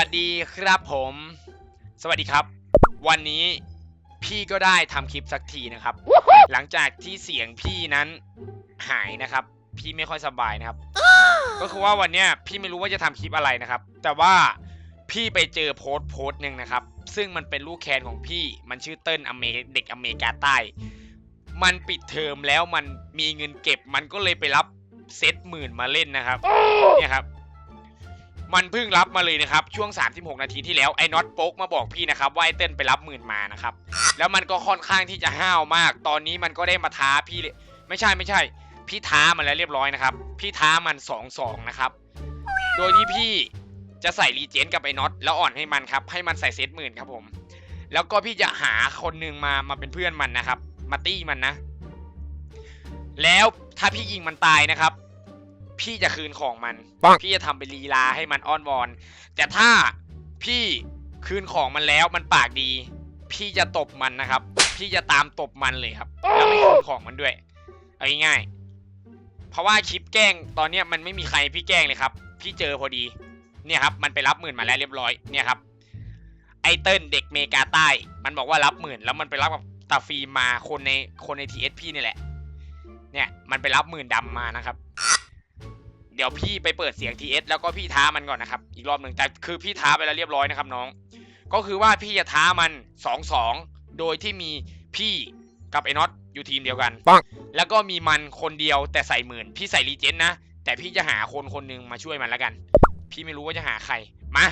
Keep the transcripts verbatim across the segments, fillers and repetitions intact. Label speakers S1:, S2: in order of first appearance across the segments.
S1: วัสดีครับผมสวัสดีครับวันนี้พี่ก็ได้ทำคลิปสักทีนะครับ หลังจากที่เสียงพี่นั้นหายนะครับพี่ไม่ค่อยสบายนะครับ ก็คือว่าวันเนี้ยพี่ไม่รู้ว่าจะทำคลิปอะไรนะครับแต่ว่าพี่ไปเจอโพสต์โพสต์หนึ่งนะครับซึ่งมันเป็นลูกแคนของพี่มันชื่อเติ้ลอเมเด็กอเมริกาใต้มันปิดเทอมแล้วมันมีเงินเก็บมันก็เลยไปรับเซตหมื่นมาเล่นนะครับเนี่ยครับมันเพิ่งรับมาเลยนะครับช่วงสามสิบหกนาทีที่แล้วไอ้น็อตโป๊กมาบอกพี่นะครับว่าไอ้เติ้ลไปรับหมื่นมานะครับแล้วมันก็ค่อนข้างที่จะห้าวมากตอนนี้มันก็ได้มาท้าพี่เลยไม่ใช่ไม่ใช่พี่ท้ามันแล้วเรียบร้อยนะครับพี่ท้ามันสองสองนะครับโดยที่พี่จะใส่รีเจนกับไอ้น็อตแล้วอ่อนให้มันครับให้มันใส่เซตหมื่นครับผมแล้วก็พี่จะหาคนหนึ่งมามาเป็นเพื่อนมันนะครับมาตี้มันนะแล้วถ้าพี่ยิงมันตายนะครับพี่จะคืนของมันพี่จะทำเป็นลีลาให้มันอ้อนวอนแต่ถ้าพี่คืนของมันแล้วมันปากดีพี่จะตบมันนะครับพี่จะตามตบมันเลยครับแล้วไม่คืนของมันด้วยเอาง่ายๆเพราะว่าคลิปแกล้งตอนนี้มันไม่มีใครพี่แกล้งเลยครับพี่เจอพอดีเนี่ยครับมันไปรับหมื่นมาแล้วเรียบร้อยเนี่ยครับไอเติ้ลเด็กเมกาใต้มันบอกว่ารับหมื่นแล้วมันไปรับกับตาฟีมาคนในคนในทีเอสพี่นี่แหละเนี่ยมันไปรับหมื่นดำมานะครับเดี๋ยวพี่ไปเปิดเสียง ที เอส แล้วก็พี่ท้ามันก่อนนะครับอีกรอบหนึ่งแต่คือพี่ท้าไปแล้วเรียบร้อยนะครับน้องก็คือว่าพี่จะท้ามันสองสองโดยที่มีพี่กับไอ้น็อตอยู่ทีมเดียวกันแล้วก็มีมันคนเดียวแต่ใส่หมื่นพี่ใส่รีเจนนะแต่พี่จะหาคนคนหนึ่งมาช่วยมันแล้วกันพี่ไม่รู้ว่าจะหาใครมา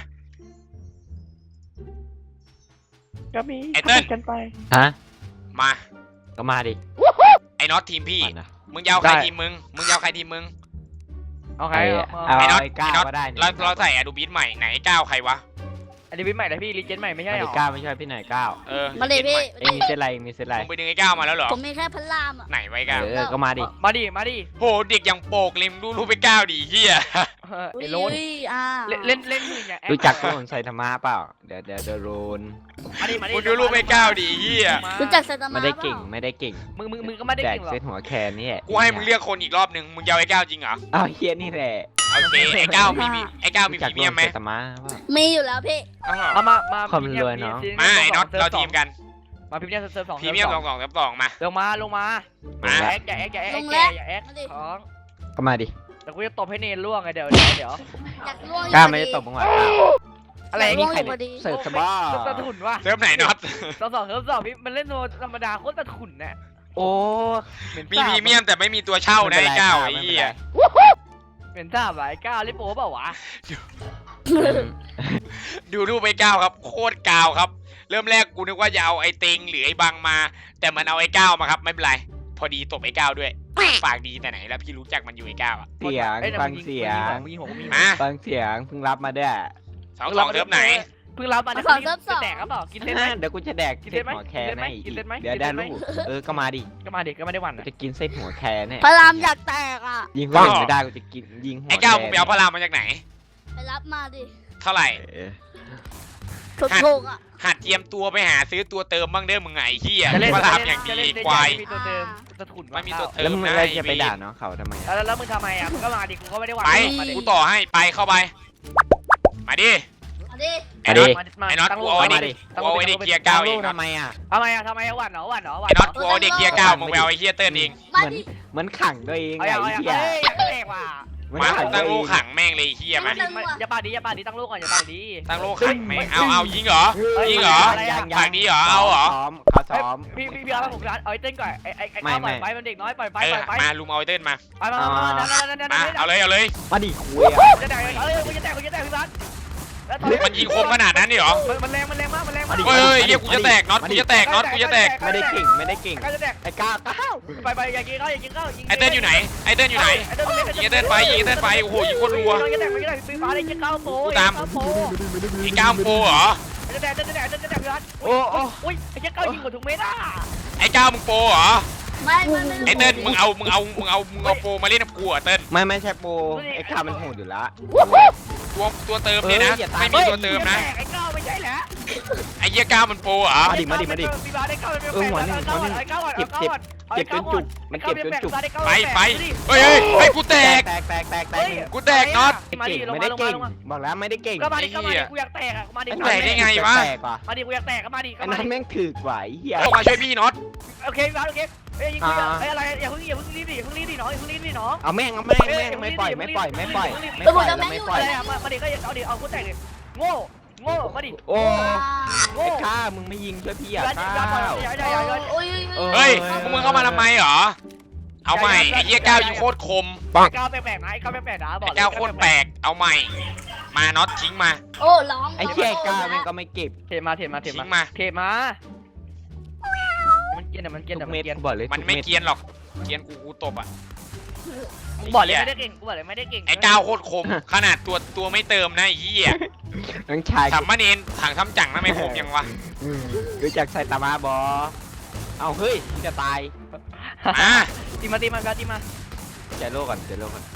S2: ก็มี
S1: ไอ้เติ้ล
S2: กันไป
S3: ฮะ
S1: มา
S3: ก็มาดิ
S1: ไอ้น็อตทีมพี่
S3: มานะ
S1: มึงยาวใครทีมมึงมึงยาวใครทีมมึง
S2: เอาใคร
S3: ไอ้
S2: เอา
S3: เอา
S1: ไอ้น็อต
S3: ไอ้ก้า
S1: ไอ้น็อต
S3: ก็ได้นี่
S1: เราเราใส่อะดูบิทใหม่ไหนก้าวใครวะ
S2: อันนี้วินใหม่นะพี่รีเจนใหม่ไม่ใช่
S3: ไอ้
S2: หรอ
S3: ก้าไม่ใช่พี่ไหนก้าว
S1: เออ
S4: มาดิพี่
S3: เอ็งมีเส้นอะไรเอ็งมีเส้นอะไร
S1: มึงไปดึงไอ้ก้าวมาแล้วเหรอ
S4: ผมมีแค่พระรามอ่ะ
S1: ไหนไว้ก้าว
S3: เออก็มาดิ
S2: มาดิมาดิ
S1: โหเด็กยังโปกเลยมึงดูรูปไอ้ก้าวดิเฮีย
S2: เออ
S4: อุ้
S2: ไอ้
S4: ย
S2: โรน
S4: อุ้ยอ่า
S2: เล่นเล่นเล่นมืออย่างแอค
S3: รู้จักโรนไซธรรมะเปล่าเดี๋ยวเดี๋ยวเดี๋ยวโรน
S2: มาดิมาดิ
S1: มึงดูรูปไอ้ก้าวดิเฮีย
S4: รู้จักไซตามะ
S3: ไม่ได้เก่ง
S4: ปล่า
S3: ไม่ได้เก่ง
S2: มึงมึงมึงก็ไม่ได้
S3: แจก
S2: เก่งหรอ
S3: เส้นหัวแคนนี่แหละ
S1: กูให้มึงเลือกคนอีกรอบหนึ่งมึงยาวไอ้ก้าวจริงเหรอ
S3: อ้าวเฮียนี่แหละ
S1: โอเคไอ้ก้าวมีมีไอ้ก้าวมี
S3: รู้
S1: พ
S3: จั
S1: รีเมียมไหม
S3: โรนไซธรรมะเปล่า
S4: มีอยู่แล้วพี่
S1: อ้าว
S2: เอามามา
S3: ความรวยเนอะ
S1: มาไอ้น็อตเราทีมกัน
S2: มาพรีเมียมเซิร์ฟสอง
S1: พรีเมียมสองสองสองมา
S2: ลงมาลงมา
S1: มา
S2: อย่าแอคอย่าแอคอย่าแอค
S4: ลงแล้ว
S2: อย่าแอค
S4: มาดิ
S2: ของ
S3: ก็มาดิ
S2: แต่กูจะตบให้เนนล่วงไงเดี๋ยวเดี๋ยวเดี๋ยว
S4: อยากล่วง
S3: ก้าไม่ได้ตบมึงหรอกก้า
S2: อะไร
S4: อยาก
S2: นี่
S4: ล่วง
S2: ใคร
S4: อยู่พอดี
S3: เสิร์ฟสบ้า
S2: ตะถุนวะ
S1: เริ่มไหนน็อต
S2: สองสองเซิร์ฟสองพี่มันเล่นโนธรรมดาโคตรตะถุนน่ะ
S3: โอ้
S2: เหม็น
S1: มี
S2: สาบ
S1: พรีเมียมแต่ไม่มีตัวเช่านะไอ้ก้าวไอ้เหี้ย
S2: เหม็นสาบอะไอ้ก้าวเล่นโป๊เปล่าวะ
S1: ดูรูปไอ้ก้าวครับโคตรกาวครับเริ่มแรกกูนึกว่าจะเอาไอ้เต็งหรือไอ้บังมา แต่มันเอาไอ้ก้าวมาครับไม่เป็นไรพอดีตบไอ้ก้าวด้วยปากดีแต่ไหนแล้วพี่รู้จักมันอยู่ไอ้ก้าวอะ
S3: เสียง
S2: อ้แต่
S3: ฟัง
S2: มึ
S3: เสียง
S2: มึงยิงหัวมึงยิง
S1: มา
S2: หัว
S3: ฟังเสียงเพิ่งรับมาด้วย
S1: สองสองเริ่มไหน
S2: เพิ่งรับมา
S4: สองเซิร์ฟสอง
S2: จะแตกครับเปล่ากินเล่นไหม
S3: เดี๋ยวกูจะแดก
S2: กิน
S3: เส้
S2: เล่
S3: น
S2: นไหม
S3: หัวแคนให้อีก
S2: กินเล่นไหม
S3: เดี๋ยว
S2: กินเล่
S3: ได้
S2: นไหม
S3: ลูกเออก็มาดิ
S2: ก็มาเด็กก็ไม่ได้หวันอะ
S3: จะกินเส้นหัวแคนเนี่ย
S4: พระรามอยากแตกอ่ะ
S3: ยิงคนอื่นไม่ได้กูจะกินยิงหัว
S1: ไอ้ก้าว
S3: แค
S1: มึง
S3: น
S1: ไปเอาพระรามมาจากไหน
S4: ไปรับมาดิ
S1: เท่าไหร่
S3: เออ
S4: ถูกๆอ่ะ
S1: หัดเตรียมตัวไปหาซื้อตัวเติมบ้างเด้อมึงไงเหี้ย
S2: จะเล่น
S1: พระราม
S2: จะ
S1: อ
S2: เล่
S1: ย่าน ง
S2: จะ
S1: ดี
S2: เล่น
S1: ควาย
S2: ไม่มีตัวเติมตะถุน
S1: ไม่มีตัวเติ
S3: แล้ว
S1: ม
S3: มึง
S1: นะ
S3: อะไร
S1: อ้
S3: จะไป
S1: เวร
S3: ด่าน้องเขาทำไมอะ
S2: แล้วแล้วมึงทำไมอ่ะมึงก็มาดิกูก็ไม่ได้หวัน
S1: ไป
S2: มาดิ
S1: กูต่อให้ไปเข้าไปมาดิ
S4: มาดิ
S1: ไอ้น็อต
S2: มา
S1: ไอ้น็อต
S2: ตั้ง
S1: กู
S2: รูป
S1: เอาไอ้
S2: มา
S1: เด็
S2: ดิ
S1: กกูเอาไอ้เด็กเกียร์เก้าเอง
S3: ทำไมอ่ะ
S2: ทำไมอ่ะทำไมหวันเหรอหวันเหรอหวัน
S1: ไอ้น็อตกูเอาเด็กเกียร์เก้ามึงไปเอาไอ้เฮียเติ้ลเอง
S4: มา
S3: เหมือน
S4: ดิ
S3: เหมือนขังตัวเอง
S2: เอา
S3: ไง
S2: อย่างเอาอย่าง
S3: เหี้ย
S2: เฮ้ยแตกว่ะ
S3: เหมือน
S1: มา
S3: ขังตั
S1: ตั้
S3: ว
S1: ง
S3: เอ
S1: ลูก
S3: ง
S1: ขังแม่งเลยไอ้เฮียมา
S2: อย่าปาดีอย่าปาดีตั้งลูกก่อนอย่าปาดี
S1: ตั้งลูกขังแม่งเอาเอายิงเหรอ
S2: เฮ้ย
S1: ยิงเหรอ
S2: อะไรอะ
S1: ฝั่งนี้เหรอเอาเหรอ
S3: ซ้อมเขาซ้อม
S2: พี่พี่พี่เอาผมร้านเอาไอ้เต้นก่อนไอ้ไอ้ไอ้
S3: ไม่
S2: ข้าวปล่อย
S3: ไม่
S2: ไปมันเด็กน้อยปล่อยไป
S1: เอ
S2: ป
S1: อ
S2: ล่อยไป
S1: มาลุมเอาไอ้เติ้ลมา
S2: ไปมามามาดันดันดันดัน
S1: มาเอาเลยเอาเลย
S3: มาดิคุยอ่ะ
S2: จะแตกเลยเอ้ยมึงจะแตกมึงจะแตกพี่รัตแล้วตอน
S1: มันยิงคมขนาดนั้นนี่เหรอ
S2: มันมันแรงมันแรงมากมันแรงมาก
S1: เฮ้ยเฮียกูจะแตกน็อตกูจะแตกน็อตกูจะแตก
S3: ไม่ได้เก่งไม่ได้เก่ง
S2: ก็จะแตก
S3: ไอ้ก้าวก้าว
S2: ไปไปอย่ากินเขาอย่ากินเขายิง
S1: ไอ้เติ้ลอยู่ไหนไอ้เติ้ลอยู่ไหน
S2: ไอ้เติ้ลมันเล่น
S1: ยิงไอ้เติ้ลไปยิงไอ้เติ้ลไปโอ้โหยิงโคตรรัว
S2: จะแตกมันจะแตกปีฟ้าได้ยิงเก้าโป
S1: กูตาม
S2: เก้าโป
S1: ไอ้ก้ามโปเหรอ
S2: จะแตกจะแตกจะแตกพี่รัต
S3: โอ้โอ้
S2: อุ้ยไอ้เจ้าเก้ายิงหมดทุกเม็ดอ่ะ
S1: ไอ้ก้าวมึงโปเหรอ
S4: ไม่ไม่ไม่
S1: ไอ้เติ้ลมึงเอามึงเอามึงเอามึงเอาโปมาเล่นกับกูเหรอเติ้ล
S3: ไม่ไม่ใช่โปไอ้ข้ามันโหดอยู่ละ
S1: ตัวตัวเติมเนี่ยนะ
S3: เอออย่าตาย
S1: ไม่มีตัวเติมนะ
S2: ไอ้เก้าไม่ใช่แหละ
S1: ไอ้เหี้ยก้าวมันโปเหรอ
S3: มาดิมาดิมาดิ
S2: พี่ฟ้าได้เก้า
S3: เออหัวหนึ่งหัวหนึ่ง
S2: ไอ้เก้าก่อน
S3: เจ็บเจ็บเจ็บจนจุกมันเจ็บจนจุก
S1: ไปไปเฮ้ยเฮ้ยเฮ้ยกูแตก
S3: แตกแตกแตกแตก
S1: กูแตกน็อต
S2: มาดิ
S3: เก่ง
S2: ลง
S3: ไม่
S2: มา
S3: ได้
S2: ลง
S3: เก่
S2: มาง ลงมา
S3: บอกแล้วไม่ได้เก่ง
S2: ก็มาดิก็มาดิกูอยากแตกอ่ะมาดิ
S1: แตกได้ไงวะ
S3: แตกว่ะ
S2: มาดิกูอยากแตกก็มาดิก็
S3: อัน
S2: มา
S3: นั้น
S2: ดิ
S3: แม่งถือกว่าไอ้เหี้ย
S1: ลงมาช่วยพี่น็อต
S2: โอเคพี่บาสโอเคเอ้ยยิงกูเอ้ยอะไรอย่าเพิ่งอย่าเพิ่งรีบดิอย่าเพิ่งรีบดิน้องอย่าเพิ่งรีบดิน้อง
S3: เอาแม่งเอาแม่งแม่งไม่ปล่อยไม่ปล่อยไม่ปล่อยไม่ปล่อยแล้วไม่ปล่
S2: อะ
S3: อย
S2: ไรอ่ะมามาดิก็เอาดิเอากูแตกดิโง่โง่มาดิ
S3: โอ้
S2: โง่
S3: ไอ้ข้ามึงไม่ยิงช่วยพี่อ่ะ
S2: อย่าอย่า
S3: ข้าว
S2: อย่าอย่าอย่าอย่า
S4: โอ้ย
S1: เฮ้ยพวกมึงเข้ามาทำไมเหรอเอาใหม่ไอ้เหี้ยก้าวยิงโคตรคม
S2: ก้าวแปลกๆนะไอ้ก้าวแปลกๆนะบอก
S1: ไอ้ก้าวโคตรแปลกเอาใหม่มาน็อตทิ้งมา
S4: โอ้ร้อง
S3: ไอ้เหี้ยก้าแม่งก็ไม่เก็บ
S2: เทมาเทมาเท
S1: ทิ้ง
S2: มา
S1: มา
S2: เทมามันเกียนอะมันเกียน
S3: ทุ
S2: อะ
S3: ก
S2: มัน
S3: เม็ด
S2: เกียน
S3: กูบอกเลย
S1: มันไม่เกรียนหรอกเกรียนกูกูตบอ่ะ
S2: กูบอกเลยไม่ได้เก่งกูบอกเลยไม่ได้เก่ง
S1: ไอ้ก้าวโคตรคมขนาดตัวตัวไม่เติมนะไอ้เหี้ย
S3: น้องชาย
S1: สามเณรถังทำจังนะไม่คมยังวะ
S3: รู้จักไซตามะบอเอาเฮ้ยมึงจะตาย
S1: อ่ะ
S2: ตีมาตีมาตีมา
S3: เจโลก่อนเจโลก่อน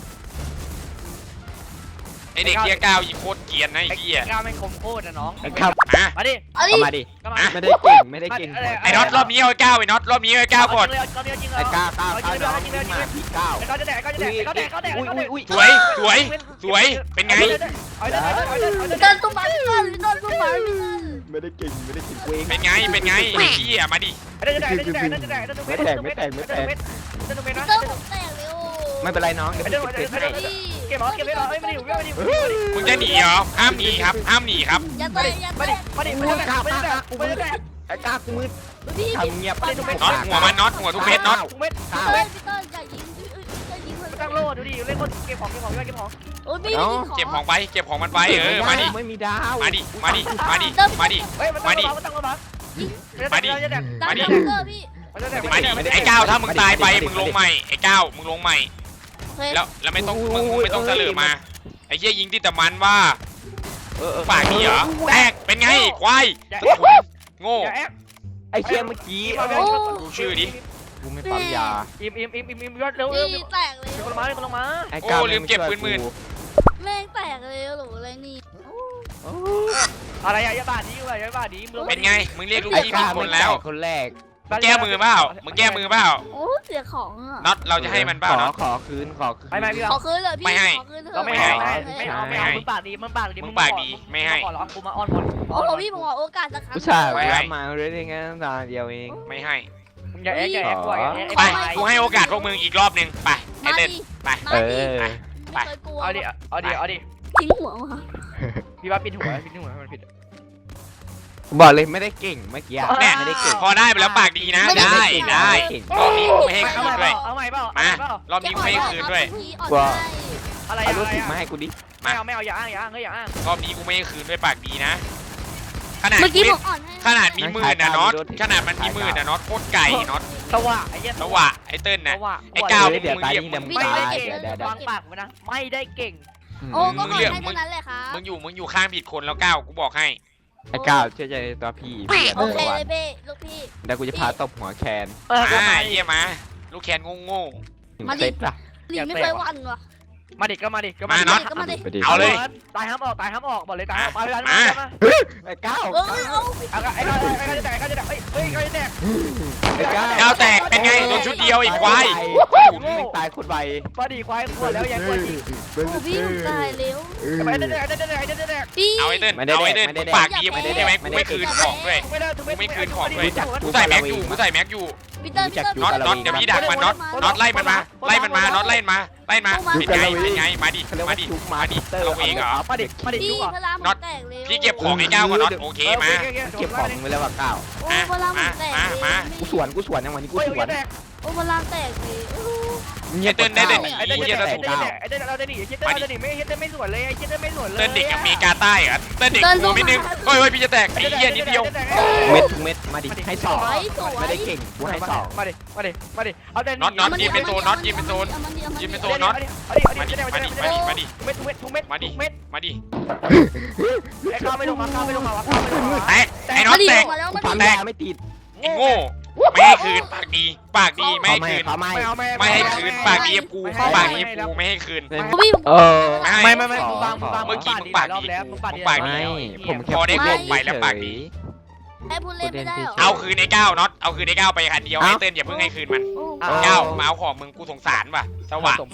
S1: ไอเด็กเหี้ยก้าวยิงโคตรเกรียนนะไอ้เหี้ย
S2: ก้าวไม่คมโคตรนะน้อง
S3: ไอ้ครับ
S1: อ่ะ
S2: มาดิ
S4: เอาดิ
S3: เข้ามาดิ
S2: ก็มา
S3: ไม่ได้เก่งไม่ได้เก่ง
S1: ไอ้น็อตรอบนี้เอาไอ้ก้าวไอ้น็อตรอบนี้เอาไอ้ก้าวก่อน
S2: เอาเดียวจริงเหรอ
S3: ไอ้ก้าวก้าว
S2: เอา
S3: ก้าว
S2: จริงเหร
S3: น้
S2: อ
S3: อง
S2: จริงเหร
S3: ขึ้
S2: อน จริงเหร
S3: มา
S2: อ
S3: พี่ก้าว
S2: ไอ้ก้าวจะแตกไอ้ก้าวจะแตกไอ้ก้าวแตกไอ้ก้าวแตก
S3: อุ้ยอุ้ยอุ้ย
S1: สวยสวยสวยเป็นไง
S2: เอาเดินเอาเดินเอาเดิน
S4: เดินตุ้มมาพี่เดินเดินตุ้มมาพี่เดิน
S3: ไม่ได้เก่งไม่ได้เก่งกูเอง
S1: เป็นไงเป็นไงไอ้เหี้ยมาดิ
S2: ไอ้เดินจะแตกไอ้เดินจะแตกไอ้เดินจะแตกไอ้เดินจะแตกไอ้เดินจะแตกไอ้เดินจะแตกไอ้เดินจะแตก
S3: ไม่แตกไม่แตก
S2: ไอ้เดินจะแตกนะ
S4: เดินผมแตกเลยโอ้
S3: ไม่เป็นไรน้องเดี๋ยวพี่เก็บเพชรให้
S4: พี่
S2: เก็บหรอเก็บไม่หรอเอ้ยไม่ดิไม่ดิไม่ดิ
S1: มึงจะหนีเหรอห้ามหนีครับห้ามหนีครับ
S4: อย่าแตกอย่าแต
S2: มาดิ
S4: ก
S2: มาดิมาดิมาดิมาดิมาดิ
S3: ไอ้ก้าวกูมืด
S4: พี่
S3: ทำเงียบ
S1: น็อตหัวมันน็อตหัวทุกเม็ดน็อต
S2: ทุกเม็ด
S3: ก้าว
S4: เต้ยพี่เต้ยอย่ายิงอย่ายิงคน
S2: ตั้งโล่ดูดิเล่นคนเก็บของเก็บของเก็บของ
S4: โอ้ยพี่
S1: เก็บของไปเก็บของมันไปเออมาดิ
S3: ไม่มีดาว
S1: มาดิมาดิมาดิมาดิ
S2: เฮ้ยมันตั้งโล่มันตั้งโล่มา
S1: มาดิ
S4: ตาม
S1: มาดิ
S4: เตอร์พี่
S1: มาดิไอ้ก้าวถ้ามึงตายไปมึงลงใหม่ไอ้ก้าวมึงลงใหม่
S4: เฮ้ย
S1: แล้วแล้วไม่ต้องมึงมึงไม่ต้องเสลอมาไอ้เหี้ยยิงที่แต่มันว่า
S3: เออเออ
S1: ปากดีเหรอแตกเป็นไงควายตะขุนโง่
S2: อย่าแอบ
S3: ไอ้เชี่ยเมื่อกี้
S1: ดูชื่อดิ
S3: กูไม่ปั๊มยา
S2: อิ่มอิ่มอิ่มอิ่มอิ่มเร็วเร็ว
S4: พี่แตกเลย
S2: คนละมาคนละมา
S3: ไอ้ก้าว
S1: โอ้ลืมเก็บปืนหมื่น
S4: แม่งแตกเลยหรืออะไรนี่
S2: อะไรอะยาบ้าดีวะยาบ้าดีมึง
S1: เป็นไงมึงเรียกลูก
S3: ไอ้
S1: พี่
S3: ก้า
S1: ผิด
S3: ว
S1: คนแล้ว
S3: คนแรก
S1: แก้มือเปล่ามึงแก้มือเปล่า
S4: โอ้เสียของอ่ะ
S1: น็อตเราจะให้มันเปล่า
S3: ขอ
S1: น็อต
S3: ขอคืนขอคืน
S2: ไม่ไม่พี่
S4: ขอคืนเลยพี่
S1: ไม่ให้
S4: ขอคืนเถอะ
S2: เราไม่
S1: ให้
S2: ให้ไม่เอาไม่เอามึงปากดีมึงปากดีขอร้องกูมาอ้อนคน
S4: โอ้โหพี่ผมขอโอกาสสักครั้ง
S3: ผู้ชายรับมาเรื่อยๆงั้นตาเดียวเอง
S1: ไม่ให้
S2: มึงอย่าแอบอย่าแอบกลัวอย่าแอบ
S1: ไปกูให้โอกาสพวกมึงอีกรอบหนึ่งไปไอ้
S4: มา
S1: เต้น
S4: ดิ
S1: ไป
S4: มา
S3: เอ
S4: ดิ
S3: อ
S4: ไม่เคยกลัว
S2: เอาดิเอาดิเอาดิ
S4: ทิ้งหัวมา
S2: พี่ว่าปิดหัวปิดหัวมันผิด
S3: บอกเลยไม่ได้เก่งเมื่อกี้
S1: แน่
S3: ไม่ได้เก่ง
S1: พอได้ไปแล้วปากดีนะได้ได้ รอบนี้กูไม่ให้คืนด้วย
S2: เอาใหม่เปล่า
S1: มารอบนี้กูไม่ให้คืนด้วย
S2: อะไร
S3: เอารถ
S2: อะไร
S3: ถิกมาให้กูดิ
S2: ไม่เอาไม่เอาอย่าอ้างอย่าอ้างเฮ้ยอย่าอ้าง
S1: รอบนี้กูไม่ให้คืนด้วยปากดีนะ ขนาด
S4: เมื่อกี้ผมอ่อนให้
S1: ขนาดมีหมื่นนะน็อตขนาดมันมีหมื่นนะน็อตโคตรไก่น็อต
S2: สว่างไอ้เหี้ย
S1: แล้ววะไอ้เติ้ล
S2: ส
S1: นะ
S2: ว่าง
S1: ไอ้ก้าว
S3: เดี๋ยวตายนี่เดี๋ยว
S2: ไม่ได้
S3: ตาย
S2: เก่ง
S3: เดี๋ยวเดี๋ยวเดี๋ยว
S2: วางปากไว้นะไม่ได้เก่ง
S4: โอ้ก็ขอให้เท่านั้นเลยครับ
S1: มึงอยู่มึงอยู่ข้างผิดคนแล้วก้าวกูบอกให้
S3: ไอ้ก้าวเชื่อใจในตัวพี่พี่อย่า
S4: โอ
S3: โดน
S4: เค
S3: วั
S4: เล
S3: น
S4: ยเบ้ลูกพี่
S3: เดี๋ยวกูจะพาตบหัวแคน
S2: เออ
S1: มาเยี่ยมา ลูกแคนโง่
S3: ถึงเซตล่ะ
S4: หลีไม่เคยวันว่ะ
S2: มาดิก็มาดิก็
S1: มาน็อต
S4: ก็มาดิ
S3: ไปดิ
S1: เอาเลย
S2: ตายห้ามออกตายห้ามออกบอกเลยตายห้ามออกไปเลยมา
S3: ไอ้ก้าว
S4: เออเอา
S2: ไอ้ก้าวไอ้ก้าวจะแตกไอ้ก้าวจะแตกเฮ้ยเฮ้ยก้าวจะแตก
S3: ไอ้ก้าว
S1: ก้าวแตกเป็นไงโดนชุดเดียวไอ้ควาย
S3: ไม่ตายโคตรไว
S2: มาดิควายขวดแล้วยังขวดอีก
S4: โอ้พี่ผมตายเร็ว
S2: ทำไมได้แตกได้แตกได้แตก
S4: พี่
S1: เอาไอ้เติ้ลเอาไอ้เติ้ลมึงปากดีมึงใช่ไหมกูไม่คืนของด้วย
S2: ไม่ได้ทุก
S1: กูไม่คืนของด้วย
S3: รู้จัก
S1: กูใส่แม็กอยู่กูใส่แม็กอยู่
S4: พีเตอร์พีเตอร์
S1: น็อตน็อตเดี๋ยวพี่ดักมันน็อตน็อตไล่มันมาไล่มันมาน็อตไล่มันมาไล่มาเป็นไงเป็นไงมาดิ
S3: เขาเรียก
S1: มา
S3: ว่า
S1: ดิ
S3: จุกมา
S1: มาดิ
S3: เตอร์
S1: เราเองเหรอ
S2: มาดิมาดิ
S4: พี่
S2: จุ๊บ
S4: พลังหมดแตกเร็ว
S1: พี่เก็บของไอ้ก้าวก่อนน็อตโอเคมา
S3: เก็บของไว้แล้วว่าก้าว
S4: โอ้พลังหมดแตก
S3: กูสวนกูสวนยังวันนี้กู
S2: โอ้ย
S3: สวน
S2: แตก
S4: โอ้พลังแตกเลย
S3: เงียบ
S2: ไอ้เต้นไอ้เต้นไอ้เต้นไอ้เต้นไอ้เต้นเราได้ดิไอ้เต้นเราได้ดิไม่ไอ้เต้นไม่สวนเลยไอ้เต้นไม่สวนเลย
S1: เต้นเด็กอเมริกาใต้เหรอเต้นเด็กกูไม่นึงเฮ้ยเฮ้ยพี่จะแตกไอ้เหี้ยนิดเดียว
S3: เม็ดทุกเม็ดมาดิให้สอง
S4: สวยสวย
S3: ไม่ได้เก่งกูให้สอง
S2: มาดิมาดิมาดิเอาแต่
S1: น็อตน็อตยิงเป็นโซนน็อตยิงเป็นโซนยิงเป็นโซนน็อต
S2: มาดิมาดิมาดิมาดิ
S1: มาดิมาดิมาดิ
S2: เม็ดทุกเม็ดทุกเม็ด
S1: มาดิ
S2: เม็ด
S1: มาดิ
S2: ไอ้ข้าวไม่ลงมาข้าวไม่ลงมาวะข้าวไม่ลงมา
S1: แตกไอ้น็อตแตก
S4: มาแล้ว
S3: กู
S4: มา
S3: ปั๊ม
S4: ดิ
S3: ยาไม่ติด
S1: ไอ้โง่ไม่ให้คืนปากดีปากดีไม่ให้คืน
S3: เขาไม่
S2: ไม่เอาไม่
S1: ไม่ให้คืนปากดีกูปากดีกูไม่ให้คืน
S4: พี่
S3: เออ
S2: ไม่ไม่ไม่มึงบังมึงบัง
S1: เมื่อกี้มึงปากดี
S2: แล้วมึงปากดี
S3: ไม่ผมแค่
S1: พอได้ลงไปแล้วปากดี
S4: ให้พูดเล่นไม่ได้หรอ
S1: เอาคืนไอ้ก้าวน็อตเอาคืนไอ้ก้าวไปคันเดียวไอ้เต้นอย่าเพิ่งให้คืนมันก้าวมาเอาของมึงกูสงสารว่ะสวะ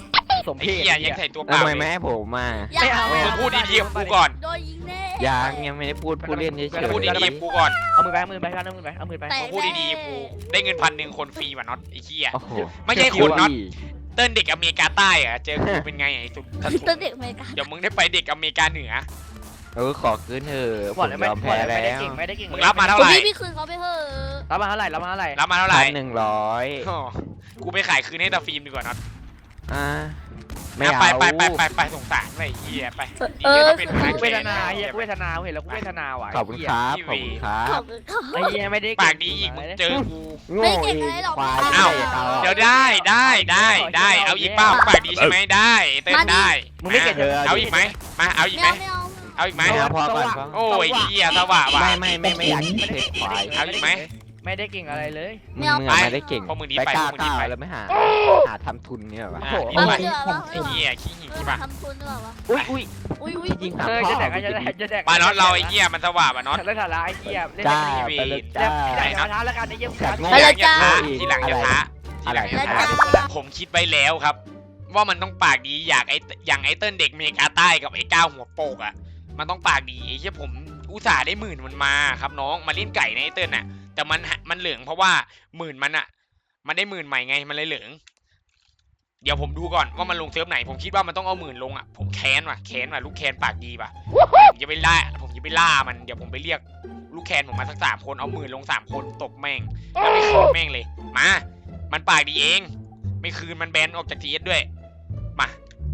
S2: สมเพ
S1: ไอ้
S2: ศ
S1: เหี้ยยังใส่ตัวเป
S3: ทำ
S1: ล่า
S3: ไม
S1: เล
S3: ไม่
S1: ย
S3: ให้ผมมา
S4: อย่า
S2: ไม่เอา
S1: มึงพูดดีๆกับกูก่อน
S4: โดนยิงแน่
S3: ยังยังไม่ได้พูดพูดเล่นเฉย
S1: มึงพูดดีๆกับกูก่อน
S2: เอามือไปเอามือไปเอามือไปเอามือไป
S4: แต
S1: มึ
S4: ก
S1: งพูดดีๆกับกูได้เงินพันหนึ่งคนฟรีว่ะน็อตไอ้เหี้ย
S3: โอ้โห
S1: ไม่ใช่คนน็อตเติ้ลเด็กอเมริกาใต้อะเจอกูเป็นไงไอ้สุดกระ
S4: ตั
S1: สุ
S4: วน เด็กอเมริกา
S1: เดี๋ยวมึงได้ไปเด็กอเมริกาเหนือ
S3: เออขอคืนเถอะผ
S2: บอก
S3: ม
S2: เลย
S3: ย
S2: ไม่
S3: อม
S2: บอก
S3: แพ้
S2: เลยไม่
S3: แล้
S2: ได้
S3: ว
S2: เก่งไม่ได้เก่ง
S1: มึงรับมาเท่าไหร่
S4: พี่พี่คืนเขาไปเถอะ
S2: รับมาเท่าไหร่รับมาเท่าไหร่
S1: รับมาเท่าไหร่
S3: พันหนึ่งร้อย
S1: โอ้กูไปขายคืนให้ตาฟิล์มดีกว่าน็อต
S3: อ่าไม่
S1: อ่ะ
S3: เอา
S1: ไปไปไปไปไปสงสารไปไอ้เหี้ยไป
S4: เออ
S1: เป็น
S4: คือ
S1: นัก
S2: กูเว
S1: แข่
S2: ท
S1: ง
S2: นาเฮียกูเวทนาเห็นแล้วกูเวทนาว่ะ
S3: ขอบคุณครับขอบคุณครั
S4: ข
S3: บ
S4: อบคุณครับ
S2: ไอ้เฮียไม่ได้
S1: ปากดีอีกมึงเจอกู
S3: โง่
S4: ไม่เก่งอะไรหรอก
S3: ควาย
S1: อ้าว
S3: เอา
S1: เดี๋ยวได้ได้ได้ได้เอาอีกเป้าปากดีใช่ไหมได้เต้นได้
S2: มึงไม่เก่ง
S3: เออ
S1: เอาอีกไหมมาเอาอีก
S4: ไม่
S1: ไหม
S4: เอาไม่เอา
S1: เอาอีกไหม
S3: ไม่เอาพอก่อนพอ
S1: โอ้ยเหี้ยสว่างว่ะ
S3: ไม่ไม่ไม่ไม่อยากกินเผ็ดควาย
S1: เอาอีกไหม
S2: ไม่ได้เก่งอะไรเลย
S3: มึงอะไม่ได้เก่ง
S1: พวกมึงดี
S3: ไป
S1: ไป
S3: กล้า
S1: พวกมึงดี
S3: ก้าว
S1: ไป
S3: แล้วไม่หาหาทำทุนเนี่ยหรอวะ
S1: โอ้โห
S4: เอา
S1: ไป
S4: เดี๋ยวเอา
S1: ไอ้เหี้ยขี้หิ
S4: เออ
S1: ป่ะ
S4: ทำทุนหรือเปล่าวะ
S3: อุ้ยอุ้ย
S4: อุ้ยอุ้ย
S3: จริงๆหา
S2: เออ
S3: พ่อ
S2: จะแดกจะแดกจะแดก
S1: ปาน็อตเราไอ้เหี้ยมันสว่างป่ะน็อต
S2: เล่นฐานะไอ้เฮียเล่น
S3: จ้า
S2: ที
S3: ไป
S2: วี
S3: เลย
S2: เล่
S3: จ้า
S2: นฐานะแล้วกันไอ้เฮีย
S3: จัด
S1: ทีหลังอย่าท้าทีหลังอย่าท้าทีหลังอย่า
S4: แล้ว
S1: ท้า
S4: จ้า
S1: ผมคิดไว้แล้วครับ ว่ามันต้องปากดีอยากไอ้อย่างไอ้เติ้ลเด็กเมกาใต้กับไอ้ก้าวหัวโปกอ่ะมันต้องปากดีไอ้เหี้ยผมอุตส่าห์ได้หมื่นมันมาครับน้องมาเล่นไก่ในไอ้เติ้ลน่ะแต่มันมันเหลืองเพราะว่าหมื่นมันอ่ะ มันได้หมื่นใหม่ไงมันเลยเหลืองเดี๋ยวผมดูก่อนว่ามันลงเซิร์ฟไหนผมคิดว่ามันต้องเอาหมื่นลงอ่ะผมแค้นว่ะแค้นว่ะลูกแค้นปากดีป่ะผมจะไปล่าผมจะไปล่ามันเดี๋ยวผมไปเรียกลูกแค้นผมมาสักสามคนเอาหมื่นลงสามคนตบแม่งแล้วไม่คืนแม่งเลยมามันปากดีเอง ไม่คืนมันแบนออกจากทีเอสด้วยมา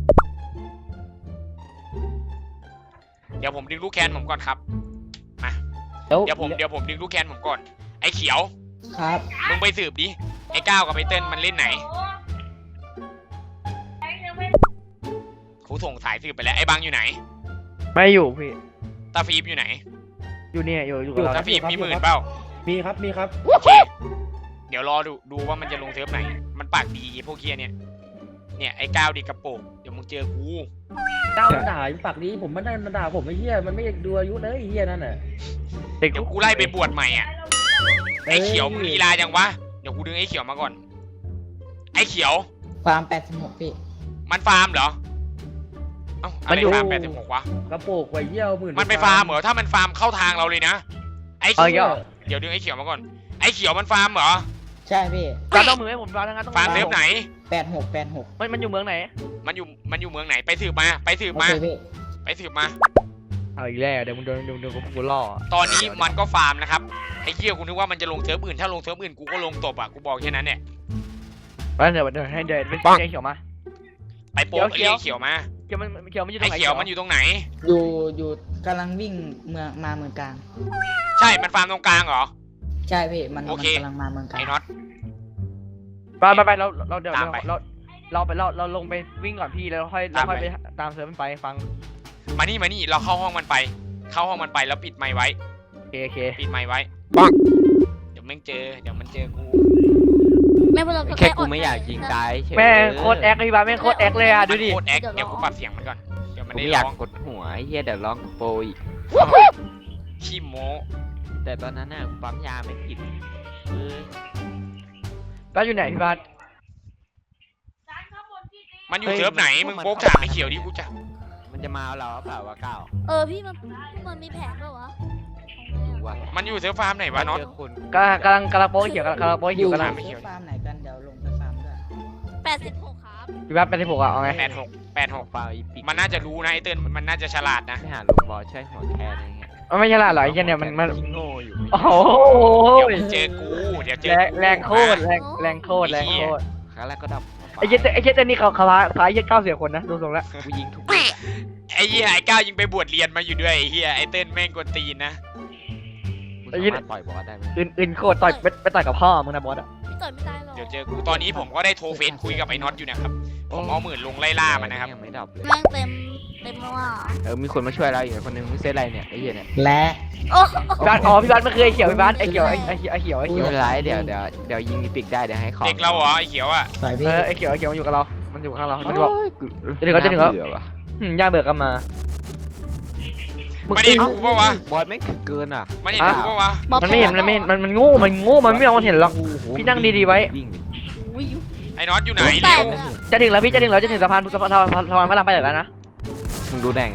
S1: เดี๋ยวผมดึงลูกแค้นผมก่อนครับมาเดี๋ยวผมเดี๋ยวผมดึงลูกแค้นผมก่อนไอ้เขียว
S5: ครับ
S1: มึงไปสืบดิไอ้ก้าวกับไอ้เติ้ลมันเล่นไหนกูส่งสายสืบไปแล้วไอ้บังอยู่ไหน
S2: ไม่อยู่พี่
S1: ตาฟิล์มอยู่ไหน
S2: อยู่เนี่ยอยู่อยู่กับเรา
S1: ตาฟิล์มมีหมื่นเปล่า
S5: มีครับ มีครับ
S1: โอเคเดี๋ยวรอดูดูว่ามันจะลงเซิร์ฟไหน มันปากดีพวกเคียเนี่ยเนี่ยไอ้ก้าวดิกระโปงเดี๋ยวมึงเจอกู
S5: เจ้ามันด่าอยู่ปากนี้ผมมันได้มันด่าผมไอ้เหี้ย มันไม่ดูอายุเลยไอ้เหี้ยนั่นน่ะ
S2: เด็ก
S1: เดี๋ยวกูไล่ไปบวชใหม่อ่ะไอ้เขียวมึงลีลาจังวะเดี๋ยวกูดึงไอ้เขียวมาก่อน ไอ้เขียว
S6: ความแปดสิบหกพี่
S1: มันฟาร์มเหรอเอ้าอะไรฟาร์มแปดสิบหกวะ
S5: กระโปงไว้เยี่ยวหมื่น
S1: มันไปฟาร์มเหรอถ้ามันฟาร์มเข้าทางเราเลยนะไอ้
S2: เอา
S1: เขี
S2: เย
S1: ยว
S2: อะ
S1: เดี๋ยวดึงไอ้เขียวมาก่อนไอ้เขียวมันฟาร์มเหรอ
S6: ใช่พี่
S2: การต้องมือให้ผมฟาร์มทั้งนั้นต้อง
S1: ฟาร์มเซิร์ฟไหน
S6: แปดหกแปดหก
S2: มันมันอยู่เมืองไหน
S1: มันอยู่มันอยู่เมืองไหนไปสืบมาไปสืบ
S6: โอ
S1: มา
S6: เคพี่
S1: ไปสืบมา
S2: เอาอีกแล้วเดี๋ยวมึงโดนโดนโดนกูล่อ
S1: ตอนนี้มันก็ฟาร์มนะครับไอ้เหี้ยกูนึกว่ามันจะลงเซิร์ฟอื่นถ้าลงเซิร์ฟอื่นกูก็ลงตบอ่ะกูบอกแค่นั้นเนี่ย
S2: แล้วเดี๋ยวเดี๋ยวให้เดี๋ยวเป็นไอ้เขียวมา
S1: ไปโป๊กไอ้
S2: เขียว
S1: เขียวมา
S2: เขียวมันเขียวมันอยู่ตร
S1: ไอ้
S2: งไหน
S1: เขียวมันอยู่ตรงไหน
S6: อยู่อยู่กำลังวิ่งเมืองมาเมืองกลาง
S1: ใช่มันฟาร์มตรงกลางเหรอ
S6: ใช่พี่มัน
S1: โอ
S6: มัน
S1: เค
S6: กำลังมาเมืองกลาง
S1: ไอ้น็อต
S2: ไปไปไปเราเราเดี๋ยว
S1: ตามไป
S2: เราเราไปเราเราลงไปวิ่งก่อนพี่แล้วค่อยเราค่อยไปตามเซิร์ฟมันไปฟัง
S1: มานี่มานี่เราเข้าห้องมันไป เข้าห้องมันไปแล้วปิดไมค์ไว้
S2: โอเคโอเค
S1: ปิดไมค์ไว้เดี๋ยวแม่งเจอเดี๋ยวมันเจอกู
S4: แม่พวกเราก็
S3: แค่กูไม่อยากยิงตายเฉย
S2: แม่งโคตรแอคเลยพี่บ้าแม่งโคตรแอคเลยอ่ะดูดิ
S1: โคตรแอคเดี๋ยวกูปรับเสียงมันก่อนเดี๋ยว
S3: กู
S1: มันได้
S3: ไม่อยาก
S1: ร้อง
S3: กดหัวไอ้เหี้ยเดี๋ยวร้องโปรอีก
S1: ขี้โม้
S3: แต่ตอนนั้นน่ะกูปั๊มยาไม่ผิดเออ
S2: บ้านอยู่ไหนพี่บ้าน
S1: มันอยู่เซิร์ฟไหนมึงโป๊กถามไอ้เขียวดิกูจะ
S3: มันจะมาเอาเราเปล่าวะก้าว
S4: เออพี่มันมันมีแผนด้วยวะ
S3: ดูว่า
S1: มันอยู่เซิร์ฟฟาร์มไหนวะน็อต
S3: เจอคน
S2: กำลังกำลังกำลังโป้เขียวกำลังกำลังโป้
S6: อ
S2: เขียว
S6: ยู่
S2: กำลัง
S1: ไม่
S6: เซิ
S1: เกี่ยว
S6: ร์ฟฟาร์มไหนกันเดี๋ยวลงไปฟาร์มด้วย
S4: แปดสิบหกครับ
S2: พี่บ้านไปที่ผมอ่ะเอาไง
S1: แปดหกแปดหก
S3: เปล่าอีปิก
S1: มันน่าจะรู้นะไอ้เติ้ลมันน่าจะฉลาดนะ
S3: ไม่หาลุงบอลช่วยหัวแทนอะไรเงี้ย
S2: มันไม่ฉลาดหรอไอ้เหี้ยเนี่ยมันมัน
S3: ทิ้งโง่อยู่
S2: โอ้โห
S1: เดี๋ยวมึงเจอกูเดี๋ยวเจอ
S2: แรง
S1: กู
S2: แรงโคตรแรงแรงโคตรแรงโคตร
S3: ครั้งแรกก็ดับ
S2: ไอ้เหี้ยไอ้เหี้ยตัวนี้เขาเขาพาพาไอ้เหี้ยเก้าเสียคนนะดูทรงแล้ว
S3: กูยิงทุกลูกอะ
S1: ไอ้เหี้ยไอ้ก้าวยิงไปบวชเรียนมาอยู่ด้วยไอ้เหี้ยไอ้เติ้ลแม่งกวนตีนนะ
S3: กูสามารถปล่อยบอสได้ไหม
S2: อื่นอื่นโคตรต่อยไปไปต่อยกับพ่อมึงนะบอสอ่ะ
S4: พี่ต่อยไม่ได้หรอก
S1: เดี๋ยวเจอกูตอนนี้ผมก็ได้โทรเฟซคุยกับไอ้น็อตอยู่นะครับผมเอาหมื่นลงไล่ล่ามันนะครับ
S3: ยังไม่ดับเลย
S4: แม่งเต็มเต็มแล้วอ่ะ
S3: เออมีคนมาช่วยเราอยู่คนหนึงมึงเซตอะไรเนี่ยไอ้เหี้ยเนี่ย
S6: และ
S4: โอ้
S2: พี่บ้านอ๋อพี่บ้านมันคือไอ้เขียวพี่บ้านไอ้เขียวไอ้ไอ้ไอ้เขียวไอ้
S3: ไม่
S2: เขียว
S3: เป็นไรเดี๋ยวเดี๋ยวเดี๋ยวยิงอีปิกได้เดี๋ยวให้ของ
S1: เด็กเราเหรอไอ้เขียวอ่ะ
S6: สายพี่
S2: เออไอ้เขียวไอ้เขียวมันอยู่กับเรา มันอยู่ข้างเรา มันบอก
S3: โอ้ยกู
S2: จะถึงแล้วจะถึงแล้ว
S3: น่าเบื่อว่ะ
S2: หืมย่าเบิกกันมา
S1: มันเห็นกูปะวะ
S3: บอสไม่งเกินอ่ะ
S1: มันเห็นกูปะวะ
S2: มันไม่เห็นมันไม่เห็นมันมันโง่มันโง่มันไม่มองมันเห็นหรอก พี่นั่งดีๆไว้
S3: วิ่งดิ
S4: อุ้ย
S1: ไอ้อ้น็อตอยู่ไหน
S4: แต
S1: เร็
S4: ก
S1: ว
S4: เลยอะ
S2: จะถึงแล้วพี่จะถึงแล้วจะถึงสะพานสะพานสะพานสะพานพระรามไปไหนแล้วนะ
S3: มึงรู้ได้ไง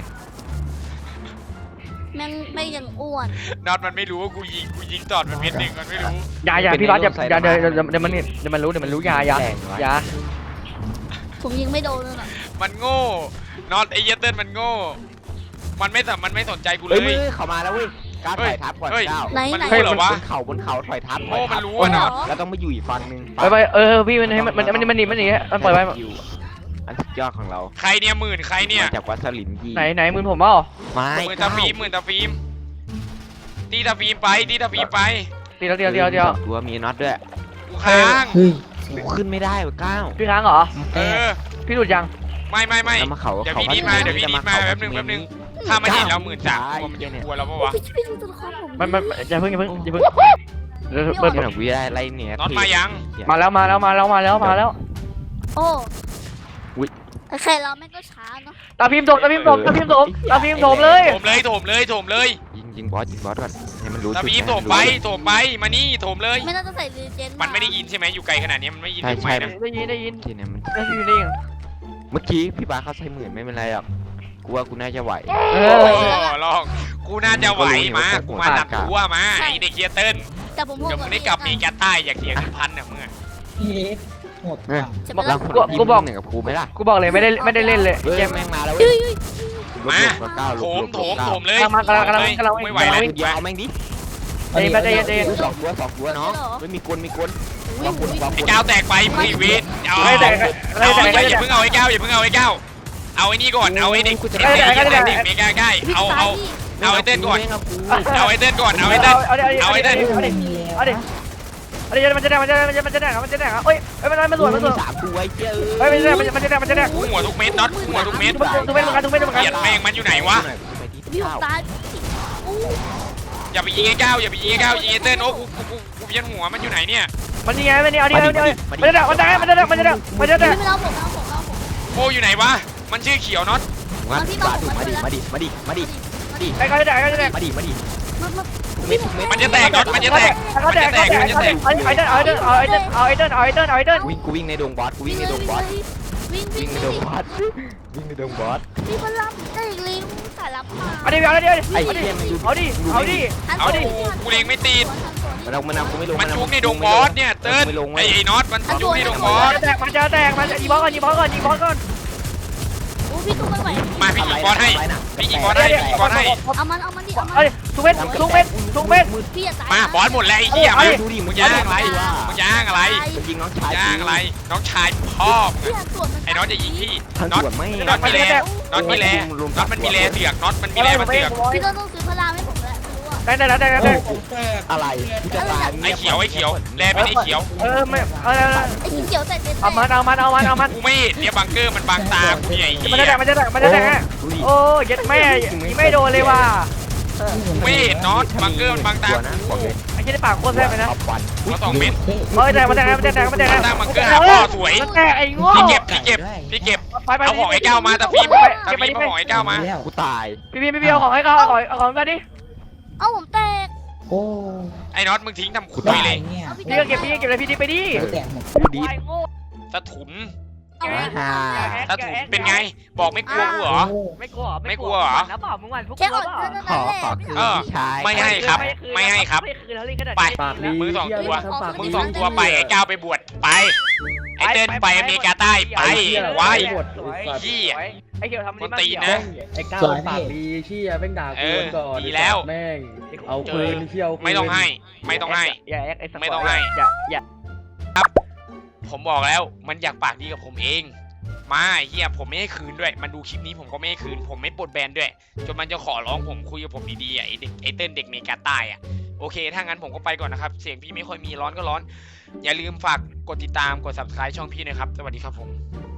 S4: แม่งไม่ยังอ้วน
S1: น็อตมันไม่รู้ว่ากูยิงกูยิงตอดมันเม็ดหนึ่งมันไม่รู้
S2: อย่าอย่าพี่บาสอย่าอย่าเดี๋ยวเดี๋ยวเดี๋ยวมันเดี๋ยวมันรู้เดี๋ยวมันรู้อย่าอย่าอย่า
S4: ผมยิงไม่โดนเลยน่ะ
S1: มันโง่น็อตไอ้เหี้ยเติ้ลมันโง่มันไม่สมันไม่สนใจกูเล
S3: เฮ้ย
S1: ย
S3: มือเขามาแล้วเว้ยก้าวถอยทับก่อน
S1: เฮ้ย
S3: ก้าว
S4: ไหน
S1: มัน
S4: ไหน
S1: รู้เหรอวะ
S3: บนเขาบนเขาถอยทับถ
S1: โอ้
S3: อย
S1: มั
S3: ทั
S1: น
S3: บ
S1: รู้อะน็อต
S3: แล้วต้องมาอยู่อีกฝั่งหนึง
S2: ไปไปเออพี่มันให้มันมันมันมันหนีมันหนีมันปล่อยไป
S3: อยู่อันสุดยอดของเรา
S1: ใครเนี่ยหมื่นใครเนี่ย
S3: มาจากวัดสลินยี
S2: ไหนไหนมือผมเปล่า
S3: ไม่
S1: หมื่นตาฟิล์มหมื่นตาฟิล์มตีตาฟิล์มไปตีตาฟิล์มไป
S2: เดียวเดียวเดียวเดียว
S3: สองตัวมีน็อตด้วย
S1: กูค้าง
S6: เฮ้ย
S3: กูขึ้นไม่ได้ว่ะก้าว
S2: พี่ค้างเหรอ
S1: เออ
S2: พี่หลุดยัง
S1: ไม่ไม่ไม่
S3: แล้วมาเขา
S1: เดี๋ยว
S3: เขา
S1: พี่นิดมาเดี๋ยวพี่นิดมาแป๊บนึงแป๊บนึงถ้ามันเห็นเราหมื่นสามกลัวมันจะกลัวเราปะวะ
S4: พี่พี่ดูตัวละครผม
S2: มันมันอย่าเพิ่งอย่าเพิ่งอย่าเพิ่งเดี๋ยว
S3: เปิ
S2: เปิ
S3: ด
S2: ด
S3: หนังวิได้ไล่เนี่ย
S1: น็อตมายัง
S2: มาแล้วมาแล้วมาแล้วมาแล้วมาแล้ว
S4: โอ้ใครเราแม่งก็ช้าเนาะ
S2: ตาพิมพ์โดมตาพิมพ์โดมตาพิมพ์โดมตาพิมพ์โดมเลย
S1: โถมเลยโถมเลยโถมเลย
S3: ยิงยิงบอสยิงบอสก่อนให้มันรู้
S1: ตา
S3: จุด
S1: ฟิล์ม
S3: ให้
S1: โถ
S3: น
S1: ม
S3: รู้
S1: ไปโถมไปมานี่โถมเลย
S4: ไม่น่าจะใส่รีเจน
S1: มันไม่ได้ยินใช่ไหมอยู่ไกลขนาดนี้มันไม่ยิน
S3: ใช่
S1: ถูกไหม
S3: ใช่
S1: นะ
S2: ได้ยินได้ยิน
S3: ทีเนี่ยมัน
S2: ได้ยินได้ยิน
S3: เมื่อกี้พี่บาสเขาใช้หมื่นไม่เป็นไรหรอกกูว่ากูน่าจะไหว
S2: เอ
S1: โอ้
S2: อ
S1: ลองกูน่าจะไหวมากูมาหนักหัวมาไอเด็กเคียเติ้ล
S4: แต่ผมโหด
S1: เดี๋ยว
S4: ก
S1: มึ
S4: ว่าง
S1: ได้กลับมีแกใต้อยากเสียงพันอ่ะมึงอะ
S6: เฮ้ยโหดกว่า
S4: จะไป
S3: แล้
S4: แล้ว ว
S3: คนที่บอกหนึ่งกับกูไหมล่ะ
S2: กูบอกเลยไม่ได้ไม่ได้เล่นเลย
S3: เฮ้ย
S2: เกม
S3: แม่งมาแล้วเว้ยรวบรวมก้าว
S1: โถ
S3: รว
S1: ม
S3: บ
S1: โถ
S3: รว
S1: ม
S3: ก้าว
S1: โถมเลย
S2: กำลังกำลังกำลังกำลัง
S1: ไม่ไหวแล้ว
S3: เดี๋ยวเอาแม่งดิ
S2: ใจเย็นใจเย็นใจเย็น
S3: สองตัวสองตัวน้องไม่มีกลมีกล
S4: วิ่งวิ่ง
S1: ไอ้ก้าวแตกไปมึงอีเวนเอา
S2: ไม่
S1: เอา
S2: แตกไม่
S1: เอา
S2: แตกไม่
S1: อย่า
S2: แตก
S1: เพิ่งเอาไอ้ก้าวอย่าเพิ่งเอาไอ้ก้าวเอาไอ้นี่ก่อนเอาไอ้เด็กเด็ก
S2: ไม่แตกไม่แตก
S1: เด็กเมกาใกล้
S4: วิ่ง
S1: เอา
S4: ซ้าย
S1: เอา
S4: พี่
S1: เอาไอ้เต้นก่อน
S3: เอากู
S1: เอาไอ้เต้นก่อนเอาไอ้เต้น
S2: เอาดิเอาดิ
S1: เอาไอ้เต้น
S2: เอาดิ
S6: มีแล้ว
S2: เอาดิเอาดิมันจะแดงมันจะแดงมันจะมันจะแดงมันจะแดงเอ้ยเอ้ยมันมันสวนมันสวน
S3: สามตัวไอ้เจ้า
S2: เฮ้ยมันจะแดงมันจะแดงมันจะแดง
S1: กูหัวทุกเม็ดน็อตกูหัวทุกเม็ด
S2: ทุกเม็ดทุกเม็ดทุกเม็ดทุก
S1: เกลี
S2: เม็
S1: ย
S2: ด
S1: ดแม่งมันอยู่ไหนวะ
S4: พี่ผมตายอู้
S1: อย่าไปยิงไอ้ก้าวอย่าไปยิงไอ้ก้าวยิงไอ้เต้นโอ้กูกูกูกูเพี้ยนหัวมันอยู่ไหนเนี่ย
S2: มันนี่ไงมันนี่เอาดิเอาดิมันจะแดงมันจะแดงมันจะแดงมันจะแดงมันจะแดง
S4: ไม่เอาผมเอาผมเอาผม
S1: โอ้อยู่ไหนวะมันชื่อเขียวน็อต
S3: มาดิมาดิมาดิมาดิมาดิ
S2: ไอ้ก็จะแดงก็จะแดง
S3: มาดิมาดิ
S4: มันมัน
S3: เม็ดทุกเม็ด
S1: มันจะแตกน็อตมันจะแตก
S2: ก็แดงก็แดงไอ้เดินเอาไอ้เดินเอาไอ้เดินเอาไอ้เดินเอาไอ้เดินเอาไอ้เดิน
S3: วิ่งกูวิ่งในดงบอสกูวิ่งในดงบอส
S4: วิ่ง
S3: วิ่
S4: วิ่
S3: ง
S4: ง
S3: ในดงบอสวิ่งในดงบอส
S4: มีคนรับได้อีกลิงสายรับมา
S2: เอาดิเอาดิ
S3: ไอ้
S2: เอาดิ
S3: เทียมมันดู
S2: เอาดิเอาดิ
S1: เอาดิกูเล็งไม่ติด
S3: มันเอามันเอากูไม่ลง
S1: มันจุกในดงบอสเนี่ยเติ้ลไอ้ไอ้น็อตมันจุกในดงบอส
S2: แตกมันจะแตกมันจะยิงบอลก่อนยิงบอลก่อนยิงบอลก่อน
S4: โอ้พี่ตุ้มไม่ไหว
S1: มาพี่ยิงบอสให้พี่ยิงบอสให้พี่ยิงบอสให้
S4: เอามันเอามันดิเอามั
S2: เอา
S4: น
S2: ดิทุกเม็ดทุกเม็ดทุกเม็ด
S4: พี่อย่าตาย
S1: มาบอสหมดแล้วไอ้เหี้ย
S2: เอา
S1: มา
S2: ดิ
S3: ดูดิ
S1: มึงย่างอะไรมึงย่างอะไร
S3: มันยิงน้องชาย
S1: ย่างอะไรน้องชายพ่อ
S4: พี่อย่าสวนมัน
S1: ไอ้น็อตจะยิงพี่
S3: ทัน
S1: น็อต
S3: ส่วนไม่
S1: น็อตมีแลน็อตมีแลน็อตมันมีแลเสือกน็อตมันมีแลมันเสือก
S4: พี่ต้องต้องซื้อพลาให้ผมแล้วไม่รู้อ่ะ
S2: แตกแตกแตกแตก
S3: อะไรกูจะตาย
S1: ไอ้เขียวไอ้เขียวแลเป็นไอ้เขียว
S2: เออไม่เอา
S4: ไอ้เขียวแต่เจ็ด
S2: เอามันเอามันเอามันเอามัน
S1: กูไม่เห็นเนี่ยบังเกอร์มันบังตากูใหญ่เหี้
S2: มันจะแต
S1: ย
S2: กมันจะแตกมันจะแตก
S3: ดูดิ
S2: โอ้ยัดแม่ไม่โดนเลยว่ะ
S1: กูไม่เห็นน็อตบังเกอร์มันบังตา
S3: นะบอกเลย
S2: ไอ้ที่ในปากโคตรแซ่บเลยนะ
S3: ท็อปวัน
S1: มาสองเม็ด
S2: เฮ้ยแตกมันแตกมันแตกมันแตกมันแตก
S1: ตั้งบังเกอร์หาพ่อสวย
S2: มันแตกไอ้โง่
S1: พี่เก็บพี่เก็บพี่เก็บ
S2: ไปไป
S1: เอาของไอ้ก้าวมาตะฟิล์มตะฟิล์มเอาของไอ้ก้าวมา
S3: กูตาย
S2: พี่พี่พี่เอาของให้เขาเอาของเอาของมาดิ
S4: เอาผมแตก
S6: โอ้
S1: ไอ้น็อตมึงทิ้งทำคุย
S6: ตาย
S1: เลย
S6: เนี่ย
S2: พี่ก็เก็บพี่เก็บเลยพี่ดิไปดิ
S6: แตกหมด
S3: กูดี
S2: ไอ้โง่
S1: สะถุน
S4: เอา
S3: ฮ่า
S1: สะถุนเป็นไง บอกไม่กลัวกูเหรอ
S2: ไม่กลัว
S1: ไม่กลัวเหรอ
S2: แล้วเปล่ามึงหวันพวก
S4: แค่
S2: กู
S4: อด
S2: เปล่า
S4: เท่านั้น
S3: ขอ
S4: แหละ
S3: ขอคืน
S1: เออ
S3: พี่ชาย
S1: ไม่ให้ครับ ไม่ให้ครับ
S2: ไม่คืนแล้วนี่ขนาด
S1: ไป
S5: ปากดี
S1: มึงสองตัว
S5: ปาก
S1: มึง
S5: ดี
S1: สองตัวไปไอ้ก้าวไปบวชไป ไอ้เต้นไปอเมริกาใต้ไปไว้ ขี้
S2: ไอ้เขียวทำ
S1: คนตีนนะ
S5: ไอ้ก้าวปากดีเชี่ยแม่งด่ากูวันก่อน
S1: เออดีแล้ว
S5: แม่งเอาปืนเชี่ยวปืน
S1: ไม่ต้องให้ ไม่ต้องให้
S2: อย่าแอคไอ้สัตว์
S1: ไม่ต้องให้
S2: อย่าอย่า
S1: ผมบอกแล้วมันอยากปากดีกับผมเอง มาไอ้เฮียผมไม่ให้คืนด้วย มันดูคลิปนี้ผมก็ไม่ให้คืน ผมไม่ปลดแบนด้วย จนมันจะขอร้องผมคุยกับผมดีๆอ่ะไอเด็กไอเต้นเด็กเมกาใต้อ่ะ โอเค ถ้างั้นผมก็ไปก่อนนะครับ เสียงพี่ไม่ค่อยมีร้อนก็ร้อน อย่าลืมฝากกดติดตาม กด ซับสไครบ์ ช่องพี่นะครับ สวัสดีครับผม